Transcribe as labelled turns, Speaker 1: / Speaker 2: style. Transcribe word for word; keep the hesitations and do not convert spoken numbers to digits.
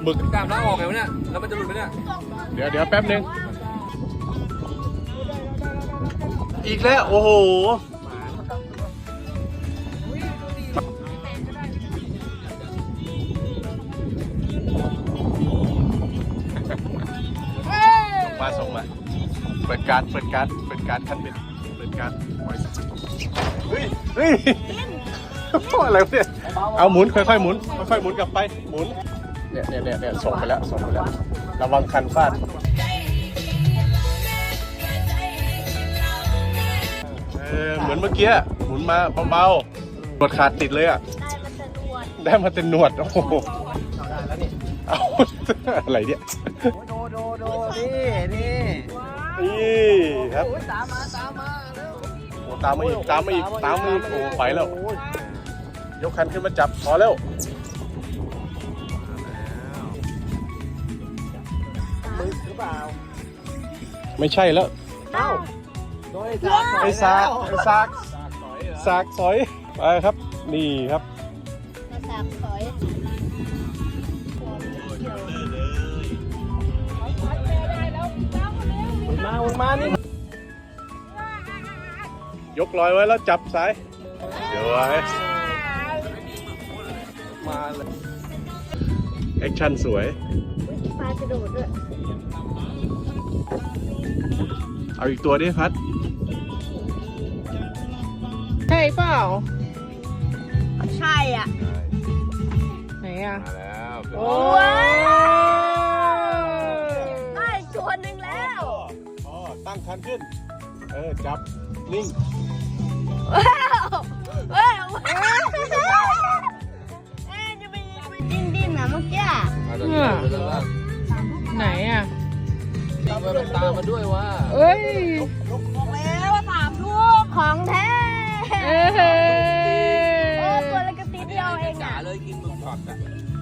Speaker 1: หมึก
Speaker 2: กล้ามล้างออกไงวะเนี่ยแล้วมันจะหลุดไหมเนี่ย
Speaker 1: เดี๋ยวเดี๋ยวแป๊บนึงอีกแล้วโอ้โหมาส่งมาเปิดการเปิดการเปิดการขั้นเป็นเปิดการเฮ้ยเฮ้ยอะไรเนี่ยเอาหมุนค่อยๆหมุนค่อยๆหมุนกลับไปหมุนเนี่ยเนี่ยเนี่ยเนี่ยส่งไปแล้วส่งไปแล้วระวังคันฟาดเออเหมือนเมื่อกี้หมุนมาเบาๆหนวดขาดติดเลยอ่ะได้มาเต็มหนวดโอ้โหเอาอะไรเนี่ย
Speaker 2: โดโดโดนี่นี่
Speaker 1: นี่ครับ
Speaker 2: ตามมาตามมาแล้ว
Speaker 1: โอ้ตามมาอีกตามมาอีกตามมาอีกโอ้ไปแล้วยกคันขึ้นมาจับพอแล้ว
Speaker 2: มึกหรือเปล่า
Speaker 1: ไม่ใช่แล้ว
Speaker 2: เอ้าโดยไอ้
Speaker 1: ไอ้ซากไอ้ซากซากสอยไปครับนี่ครับ
Speaker 3: สามสอย
Speaker 2: มามานี่
Speaker 1: ยกลอยไว้แล้วจับสายเดี๋ยวไว้
Speaker 2: มาเลย
Speaker 1: แอคชั่นสวย
Speaker 3: ปลากระโดดด้วย
Speaker 1: เอาอีกตัวดิพัด
Speaker 4: ใช่เปล่า
Speaker 3: ใช่อ่ะ
Speaker 4: ไหนอ่ะ
Speaker 2: มาแล้ว
Speaker 4: โอ้
Speaker 3: ได้ตัวหนึ่งแล้ว
Speaker 1: อ๋อตั้งคันขึ้นเออจับนิ่ง
Speaker 3: ว้าวว้าวเอ๊ะจะไปดิ้นดิ้นนะเมื่อกี้
Speaker 2: มาตอนนี้มาตอนนี้
Speaker 4: ไหนอ่ะ
Speaker 2: ตามมาตามมาด้วยว่า
Speaker 4: เอ้ย
Speaker 3: บอกแล้วว่าสามลูกของแท้
Speaker 4: เอ้ย
Speaker 3: โอ้ตัวเล็กกระติดเดียวเอง
Speaker 2: จ๋า
Speaker 3: อ่ะ
Speaker 2: เลยกินหมึกช็อตอ่ะ